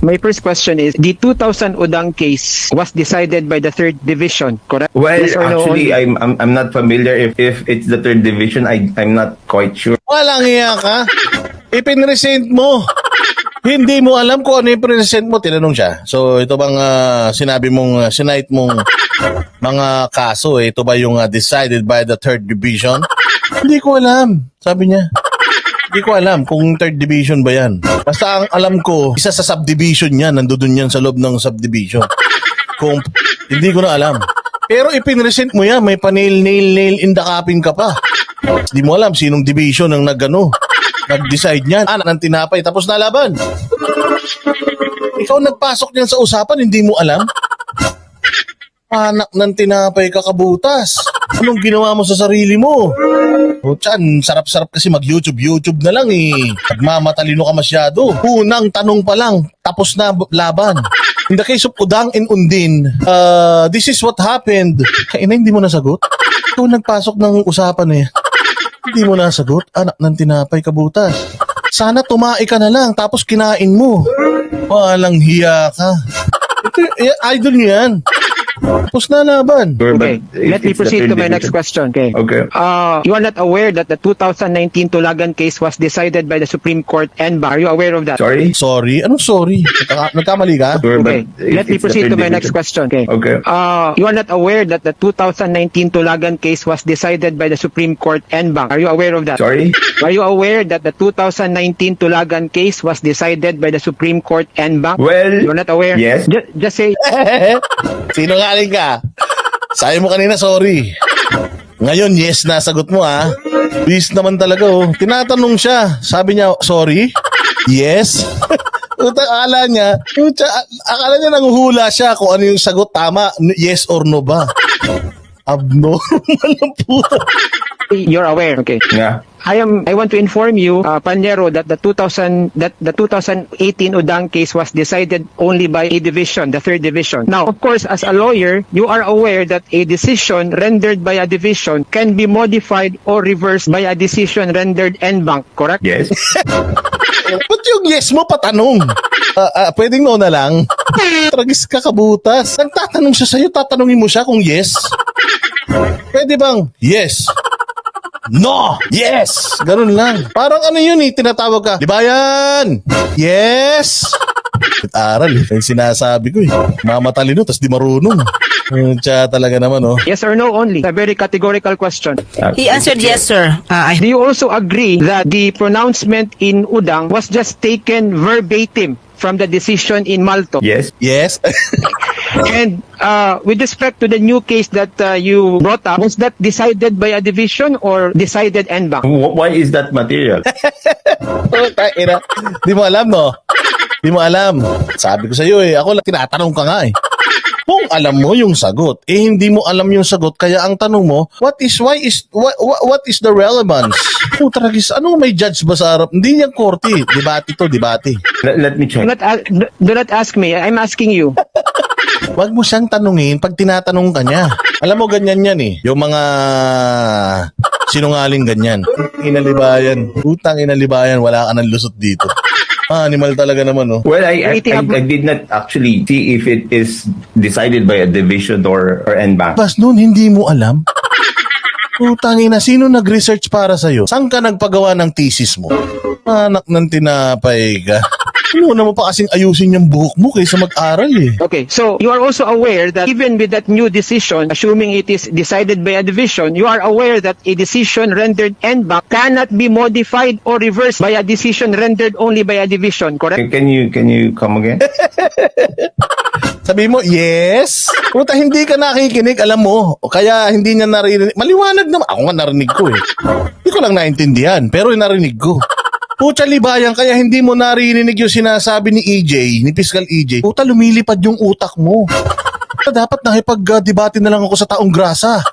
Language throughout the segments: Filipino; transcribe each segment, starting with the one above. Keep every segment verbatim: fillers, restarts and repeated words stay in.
My first question is, the two thousand Udang case was decided by the third division, correct? Well, Yes or no actually, only? I'm, I'm I'm not familiar if if it's the third division. I I'm not quite sure. Walang iya ka. Ipinresent mo. Hindi mo alam kung ano yung present mo. Tinanong siya. So, ito bang ah, sinabi mong, uh, sinight mong mga kaso, eh, ito ba yung ah, decided by the third division? Hindi ko alam. Sabi niya. Hindi ko alam kung third division ba yan. Basta ang alam ko, isa sa subdivision yan. Nandoon yan sa loob ng subdivision. Kung, hindi ko na alam. Pero ipinresent mo yan. May pa-nail, nail, nail in the coffin ka pa. Hindi mo alam sinong division ang nag-ano. Nag-decide niyan. Anak ng tinapay, tapos nalaban. Ikaw nagpasok niyan sa usapan, hindi mo alam? Anak ng tinapay, kakabutas. Anong ginawa mo sa sarili mo? O tiyan, sarap-sarap kasi mag-YouTube. YouTube na lang eh. Nagmamatalino ka masyado. Unang tanong pa lang, tapos na laban. In the case of Udang and Undin, uh, this is what happened. Kaina, hindi mo nasagot? Ikaw nagpasok ng usapan na yan. Hindi mo nasagot, anak ng tinapay, kabutas. Sana tumae ka na lang, tapos kinain mo. Walang hiya ka. Ito, eh, idol niyo yan. Tapos na laban. Sure, Okay, but if let me it's the proceed to third my next division- question. Okay. Okay. Uh, you are not aware that the two thousand nineteen Tulagan case was decided by the Supreme Court and Bar. Are you aware of that? Sorry. Sorry? Anong sorry? Nagka- nagkamali ka? Sure, Okay, but if let me it's the proceed third to my next division- question. Okay. Okay. Uh, you are not aware that the two thousand nineteen Tulagan case was decided by the Supreme Court and Bank. Are you aware of that? Sorry. Are you aware that the two thousand nineteen Tulagan case was decided by the Supreme Court and Bank? Well, You're not aware? yes. Ju- just say, Sino nga ka? Sabi mo kanina, sorry. Ngayon, yes, nasagot mo ah. Bis naman talaga oh. Tinatanong siya. Sabi niya, sorry? Yes? Uta, akala niya, uta, akala niya nanguhula siya kung ano yung sagot tama, yes or no ba? Abnormal ang puta. you're aware. Okay. Yeah. I am. I want to inform you, uh, Panero, that the two thousand that the two thousand eighteen Udang case was decided only by a division, the third division. Now, of course, as a lawyer, you are aware that a decision rendered by a division can be modified or reversed by a decision rendered en banc. Correct? Yes. Ba't yung yes mo patanong? Ah, ah, pwedeng no na lang. Tragis ka, kabutas. Nagtatanong siya sa'yo, tatanungin mo siya kung yes. Pwede bang yes? No! Yes! Ganun lang. Parang ano yun eh, tinatawag ka. Libayan! Yes! Aral eh, yung sinasabi ko eh. Mamatalino, tas di marunong. Uh, Tiya talaga naman oh. Yes or no only. A very categorical question. Uh, He answered yes, sir. Uh, I Do you also agree that the pronouncement in Udang was just taken verbatim from the decision in Malto? Yes. Yes? And uh, with respect to the new case that uh, you brought up, was that decided by a division or decided en banc? Wh- Why is that material? Oh, taina. Di mo alam, no? Di mo alam. Sabi ko sa'yo eh, ako lang tinatanong ka nga eh. Kung alam mo yung sagot, eh hindi mo alam yung sagot, kaya ang tanong mo, what is, why is, what, what is the relevance? Puta ragis, ano may judge ba sa harap? Hindi yan korte, debate to, debate. let, let me Do check. not, a- do not ask me. I'm asking you. Huwag mo siyang tanungin pag tinatanong ka niya. Alam mo, ganyan yan eh. Yung mga sinungaling ganyan. Inalibayan. Utang inalibayan, wala ka ng lusot dito. Ah, animal talaga naman, oh. Well, I, I, Waiting I, up- I did not actually see if it is decided by a division or or en banc. Bas noon, hindi mo alam? Utang ina, sino nag-research para sa'yo? Saan ka nagpagawa ng thesis mo? Anak ng tinapay ka. Muna mo pa kasing ayusin yung buhok mo kaysa mag-aral eh. Okay, so you are also aware that even with that new decision, assuming it is decided by a division, you are aware that a decision rendered en banc cannot be modified or reversed by a decision rendered only by a division, correct? Can, can you can you come again? Sabi mo, yes? Puta, hindi ka nakikinig, alam mo. O kaya hindi niya narinig. Maliwanag naman. Ako nga narinig ko eh. Hindi ko lang naintindihan, pero narinig ko. Puta, libayan, kaya hindi mo narinig yung sinasabi ni E J, ni Fiscal E J. Puta, lumilipad yung utak mo. Puta, dapat nakipag-debate na lang ako sa taong grasa.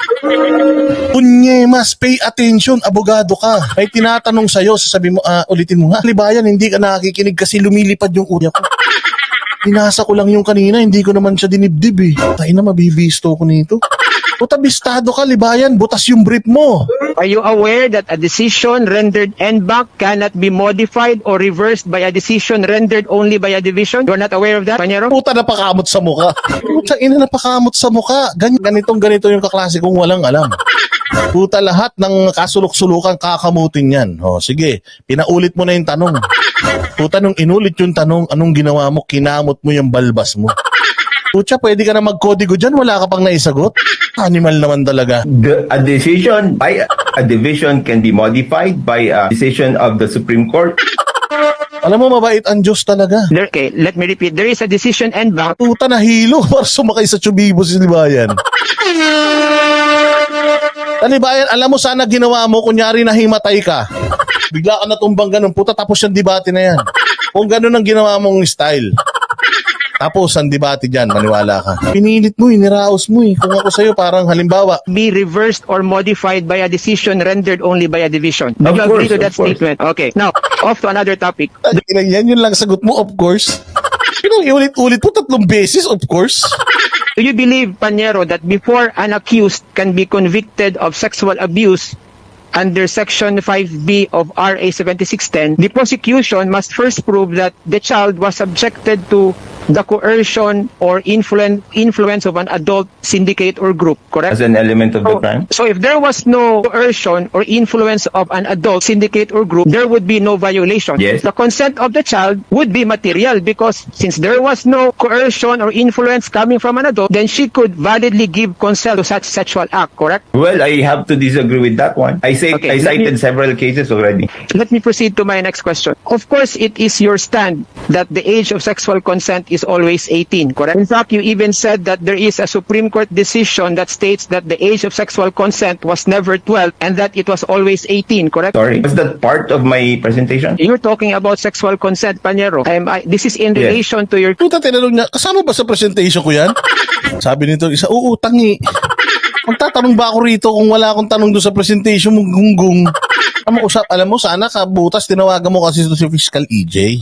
Punyemas, pay attention, abogado ka. May tinatanong sa'yo, sasabi mo, ah, ulitin mo nga. Libayan, hindi ka nakikinig kasi lumilipad yung utak ko. Binasa ko lang yung kanina, hindi ko naman siya dinibdib eh. Tayo na, mabibisto ko nito. Puta, bistado ka, Libayan. Butas yung brief mo. Are you aware that a decision rendered en banc cannot be modified or reversed by a decision rendered only by a division? You're not aware of that, Panyero? Puta, napakamot sa muka. Puta, ina, napakamot sa muka. Gan ganitong ganito yung kaklase kong walang alam. Puta, lahat ng kasulok-sulukan kakamutin yan. O, sige, pinaulit mo na yung tanong. Puta, nung inulit yung tanong, anong ginawa mo? Kinamot mo yung balbas mo. Puta, pwede ka na magkodigo dyan, wala ka pang naisagot. Animal naman talaga. The, a decision by a division can be modified by a decision of the Supreme Court. Alam mo, mabait ang Diyos talaga. There, okay, let me repeat. There is a decision en banc. Puta, nahilo para sumakay sa Chubibo si Libayan. Libayan, alam mo sana ginawa mo, kunyari nahimatay ka. Bigla ka natumbang ganun, puta, tapos yung debate na yan. Kung ganun ang ginawa mong style. Tapos ang debate dyan, maniwala ka. Pinilit mo, iniraos mo eh. Kung ako sa'yo, parang halimbawa, Be reversed or modified by a decision rendered only by a division. Do Of you agree course, to that of course. statement? Okay. Now, off to another topic. yan yun lang sagot mo, of course. Pero iulit-ulit po tatlong beses, of course. Do you believe, Panyero, that before an accused can be convicted of sexual abuse under Section five B of R A seventy-six ten, the prosecution must first prove that the child was subjected to the coercion or influen- influence of an adult syndicate or group, correct? As an element of the So, crime. so if there was no coercion or influence of an adult syndicate or group, there would be no violation. Yes. The consent of the child would be material because since there was no coercion or influence coming from an adult, then she could validly give consent to such sexual act, correct? Well, I have to disagree with that one. I say Okay, I let cited me- several cases already. Let me proceed to my next question. Of course, it is your stand that the age of sexual consent is always eighteen, correct? In fact, you even said that there is a Supreme Court decision that states that the age of sexual consent was never twelve and that it was always eighteen, correct? Sorry. Was that part of my presentation? You're talking about sexual consent, Panyero. I'm, I, this is in Yes. relation to your... Puta, tinanong niya, kasama ba sa presentation ko yan? Sabi nito, isa, oo, tangi. Magtatanong ba ako rito kung wala akong tanong doon sa presentation mo, gunggong? Alam mo, usap, alam mo, sana kabutas, tinawagan mo kasi ito si Fiscal E J.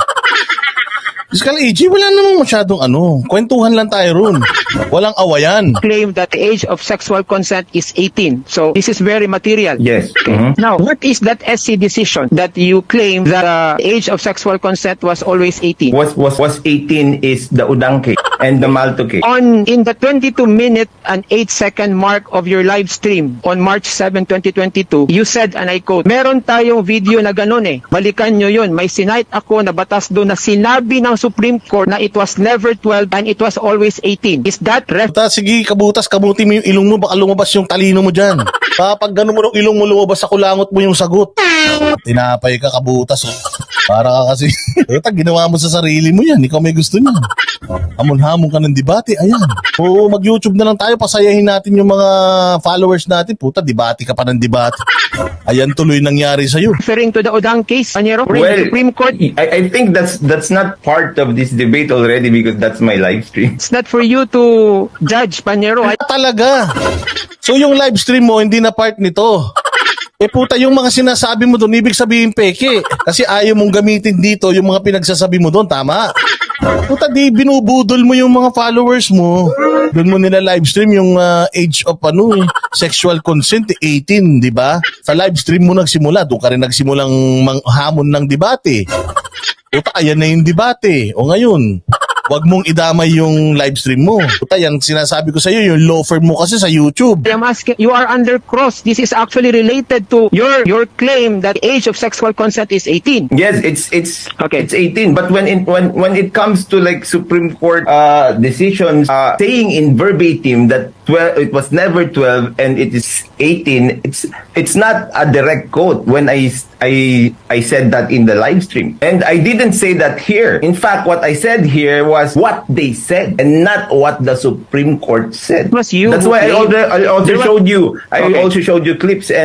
Fiscal E J, wala namang masyadong ano. Kwentuhan lang tayo ron. Walang awayan. claim that the age of sexual consent is eighteen. So this is very material. Yes. Mhm. Now, what is that S C decision that you claim that uh, the age of sexual consent was always eighteen? Was was was eighteen is the Udang case and the Malto case. On in the twenty-two minute and eight second mark of your live stream on March seventh, twenty twenty-two, you said, and I quote, meron tayong video na ganun eh. Balikan nyo yun. May sinight ako na batas doon na sinabi ng Supreme Court na it was never twelve and it was always eighteen. Is that ref- Puta, sige, kabutas, kamuti mo yung ilong mo, baka lumabas yung talino mo dyan. Kapag gano'n mo ng ilong mo, lumabas sa kulangot mo yung sagot. Tinapay ka, kabutas. Oh. Para ka kasi, puta, ginawa mo sa sarili mo yan. Ikaw may gusto niyan. Hamon-hamon ka ng debate, ayan. Oo, mag-YouTube na lang tayo, pasayahin natin yung mga followers natin. Puta, debate ka pa ng debate. Ayan tuloy nangyari sa'yo. referring to the Odang case, Panyero? Well, the Supreme Court, I, I think that's that's not part of this debate already because that's my live stream. it's not for you to judge, Panyero. I- Talaga. So yung live stream mo, hindi na part nito. Eh puta, yung mga sinasabi mo doon, ibig sabihin peke. Kasi ayaw mong gamitin dito yung mga pinagsasabi mo doon, tama? Puta, di binubudol mo yung mga followers mo. Doon mo nila live stream yung uh, age of ano eh, sexual consent, eh, eighteen, di ba? Sa live stream mo nagsimula, doon ka rin nagsimulang mang- hamon ng debate. Puta, ayan na yung debate. O ngayon, wag mong idamay yung live stream mo. Puta, yung sinasabi ko sa'yo, yung law firm mo kasi sa YouTube. I'm asking, you are under cross. This is actually related to your your claim that age of sexual consent is eighteen. Yes, it's it's Okay. it's eighteen. But when it when when it comes to like Supreme Court uh, decisions uh, saying in verbatim that twelve it was never twelve and it is eighteen, it's it's not a direct quote. When I I I said that in the live stream, and I didn't say that here. In fact, what I said here was what they said and not what the Supreme Court said. It was you That's who why I claimed- also I also There was- showed you. I Okay. also showed you clips and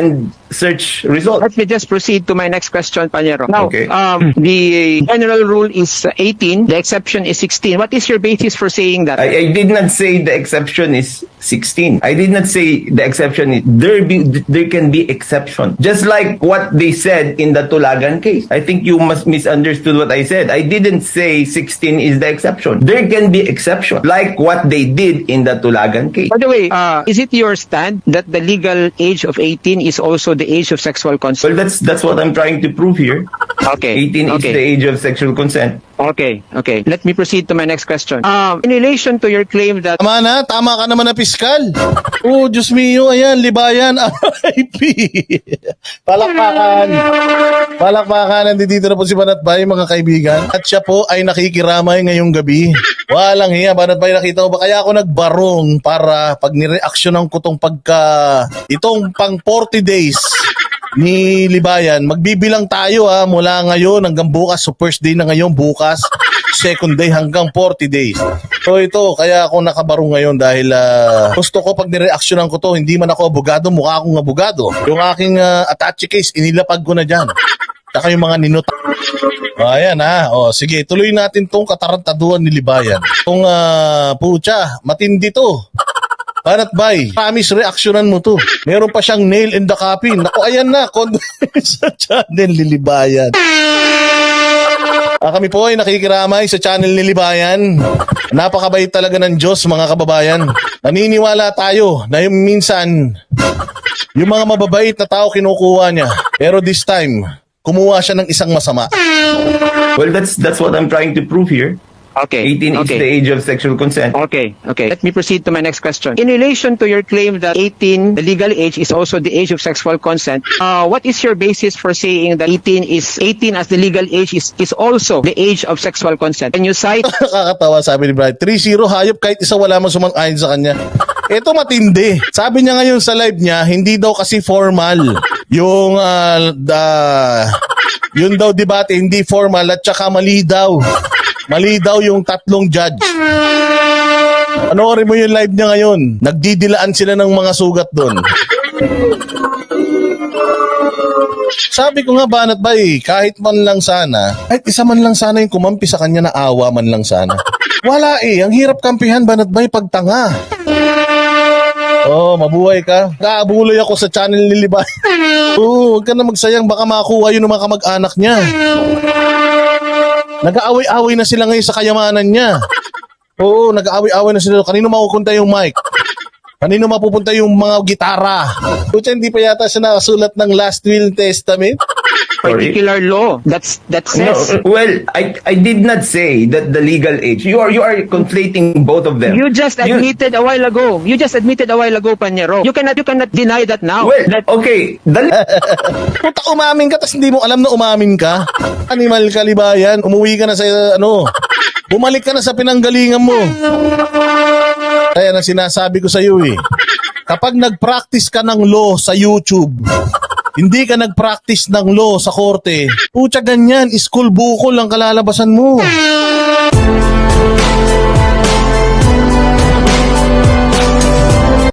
search result. Let me just proceed to my next question, Panyero. Now, Okay. um, the general rule is eighteen, the exception is sixteen. What is your basis for saying that? I, I did not say the exception is sixteen. I did not say the exception is there be there can be exception. Just like what they said in the Tulagan case. I think you must misunderstood what I said. I didn't say sixteen is the exception. There can be exception, like what they did in the Tulagan case. By the way, uh, is it your stand that the legal age of eighteen is also the age of sexual Well, consent? that's that's what I'm trying to prove here. Okay. eighteen is okay. the age of sexual consent. Okay, okay. Let me proceed to my next question. Um, in relation to your claim that Tama na, tama ka naman na piskal. Oh, Diyos mio, ayan, libayan, R I P. Palakpakan. Palakpakan, nandito na po si Banatbay, mga kaibigan. At siya po ay nakikiramay ngayong gabi. Walang hiya, Banatbay, nakita mo ba? Kaya ako nagbarong para pag nireaksyonan ko tong pagka, itong pang forty days ni Libayan, magbibilang tayo ha, mula ngayon hanggang bukas. So first day na ngayon, bukas, second day hanggang forty days. So ito, kaya ako nakabarong ngayon dahil ah, gusto ko pag nireaksyonan ko to, hindi man ako abogado, mukha akong abogado. Yung aking ah, attache case, inilapag ko na dyan. Saka yung mga ninot. O, ayan ha. O, sige, tuloy natin tong katarantaduhan ni Libayan. Kung uh, pucha, matindi to. Banat bay, promise reaksyonan mo to. Meron pa siyang nail in the coffin. Naku, ayan na, condolence sa channel ni Libayan. Ah, kami po ay nakikiramay sa channel ni Libayan. Napakabait talaga ng Diyos, mga kababayan. Naniniwala tayo na yung minsan, yung mga mababait na tao kinukuha niya. Pero this time, kumuha siya ng isang masama. Well, that's that's what I'm trying to prove here. okay, eighteen is okay. the age of sexual consent. Okay, okay. Let me proceed to my next question. In relation to your claim that eighteen, the legal age, is also the age of sexual consent, uh, what is your basis for saying that eighteen is eighteen as the legal age is, is also the age of sexual consent? Can you cite? Nakakatawa, sabi ni Brian. three zero, hayop kahit isa wala man sumang-ayon sa kanya. Ito matindi. Sabi niya ngayon sa live niya, hindi daw kasi formal. Yung, uh, the, yun daw debate, hindi formal at saka mali daw. Mali daw yung tatlong judge. Panoorin mo yung live niya ngayon. Nagdidilaan sila ng mga sugat doon. Sabi ko nga, Banat Bay, kahit man lang sana, kahit isa man lang sana yung kumampi sa kanya na awa man lang sana. Wala eh, ang hirap kampihan, Banat Bay, pag tanga. Oh, mabuhay ka. Kaabuloy ako sa channel ni Libay. Oo, huwag ka na magsayang, baka makuha yun ng mga kamag-anak niya. Nag-aaway-away na sila ngayon sa kayamanan niya. Oo, nag-aaway-away na sila. Kanino makukunta yung mic? Kanino mapupunta yung mga gitara? Kutsa, hindi pa yata siya nakasulat ng Last Will Testament? Particular law that's that says No, well, I I did not say that the legal age. You are you are conflating both of them. you just admitted a while ago. You just admitted a while ago, Panyero. You cannot you cannot deny that now. Well, That- okay. The, Puta, umamin ka, tas hindi mo alam na umamin ka? Animal ka, Libayan. Umuwi ka na sa, ano, bumalik ka na sa pinanggalingan mo. Kaya na sinasabi ko sa iyo eh, kapag nag-practice ka ng law sa YouTube, hindi ka nag-practice ng law sa korte, pucha ganyan, school bukol ang kalalabasan mo.